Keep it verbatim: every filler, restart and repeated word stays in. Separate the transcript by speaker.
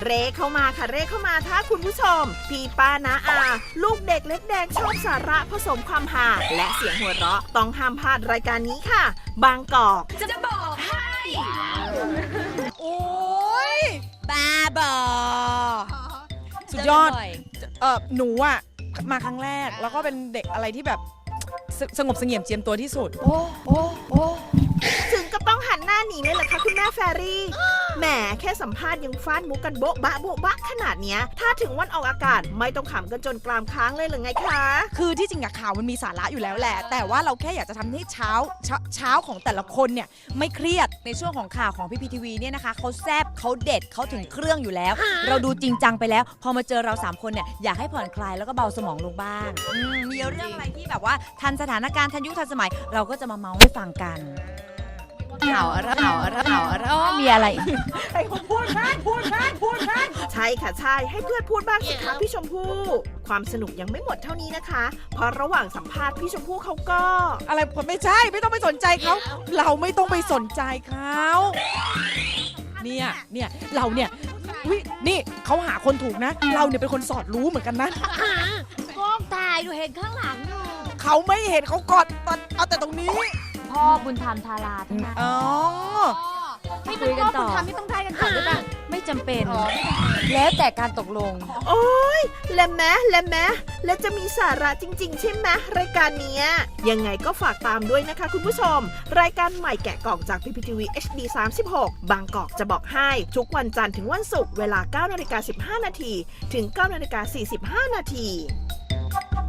Speaker 1: เร่เข้ามาค่ะเร่เข้ามาถ้าคุณผู้ชมพี่ป้านะอาลูกเด็กเล็กแดงชอบสาระผสมความฮาและเสียงหัวเราะต้องห้ามพลาดรายการนี้ค่ะบางกอกจะบอกให้
Speaker 2: โอ้ยบ้าบอสุดยอดเออหนูอะมาครั้งแรกแล้วก็เป็นเด็กอะไรที่แบบสสงบเสงี่ยมเจียมตัวที่สุดโอ้โอ้โอ้
Speaker 1: ถึงก็ต้องหันหน้าหนีเลยเหรอคะคุณแม่แฟรี่แหมแค่สัมภาษณ์ยังฟาดมุกกันโบ๊ะบะโบ๊ะบะขนาดเนี้ยถ้าถึงวันออกอากาศไม่ต้องขำกันจนกรามค้างเลยหรือไงคะ
Speaker 2: คือที่จริงอะข่าวมันมีสาระอยู่แล้วแหละแต่ว่าเราแค่อยากจะทำให้เช้าเช้าเช้าของแต่ละคนเนี่ยไม่เครียดในช่วงของข่าวของพี่พีทีวีเนี่ยนะคะเขาแซบเขาเด็ดเขาถึงเครื่องอยู่แล้ว เราดูจริงจังไปแล้วพอมาเจอเราสามคนเนี่ยอยากให้ผ่อนคลายแล้วก็เบาสมองลงบ้างอืมมีเรื่องอะไรที่แบบว่าทันสถานการณ์ทันยุคทันสมัยเราก็จะมาเมาให้ฟังกันข่าวอะไรข่าวอะไรข่าวอะไรมีอะไรไอ้คนพูดบ้างพูดบ้างพูดบ้าง
Speaker 1: ใช่ค่ะใช่ให้เพื่อนพูดบ้างสิคะพี่ชมพู่ความสนุกยังไม่หมดเท่านี้นะคะ เพราะระหว่างสัมภาษณ์พี่ชมพู่เขาก็
Speaker 2: อะไรผมไม่ใช่ไม่ต้องไปสนใจเขาเราไม่ต้องไปสนใจเขาเนี่ยเนี่ยเราเนี่ยวินี่เขาหาคนถูกนะเราเนี่ยเป็นคนสอดรู้เหมือนกันนะ
Speaker 3: กล้องถ่ายดูเห็นข้างหลังอยู่
Speaker 2: เขาไม่เห็นเขากอดเอาแต่ตรงนี้
Speaker 3: พ่อบุญธรรมทาราทั้งนั้น
Speaker 2: อ๋อ
Speaker 3: ไม่ต้องพ่อบุญธรรมไม่ต้องได้กันก่อนด้วยป่ะไม่จำเป็น แล้วแต่การตกลง
Speaker 1: โอ๊ยและแม้และแม้และจะมีสาระจริงๆใช่ไหมรายการเนี้ยยังไงก็ฝากตามด้วยนะคะคุณผู้ชมรายการใหม่แกะกล่องจาก พี พี ที วี เอช ดี สามสิบหก บางกอกจะบอกให้ทุกวันจันทร์ถึงวันศุกร์เวลา เก้านาฬิกาสิบห้านาทีถึง เก้านาฬิกาสี่สิบห้านาที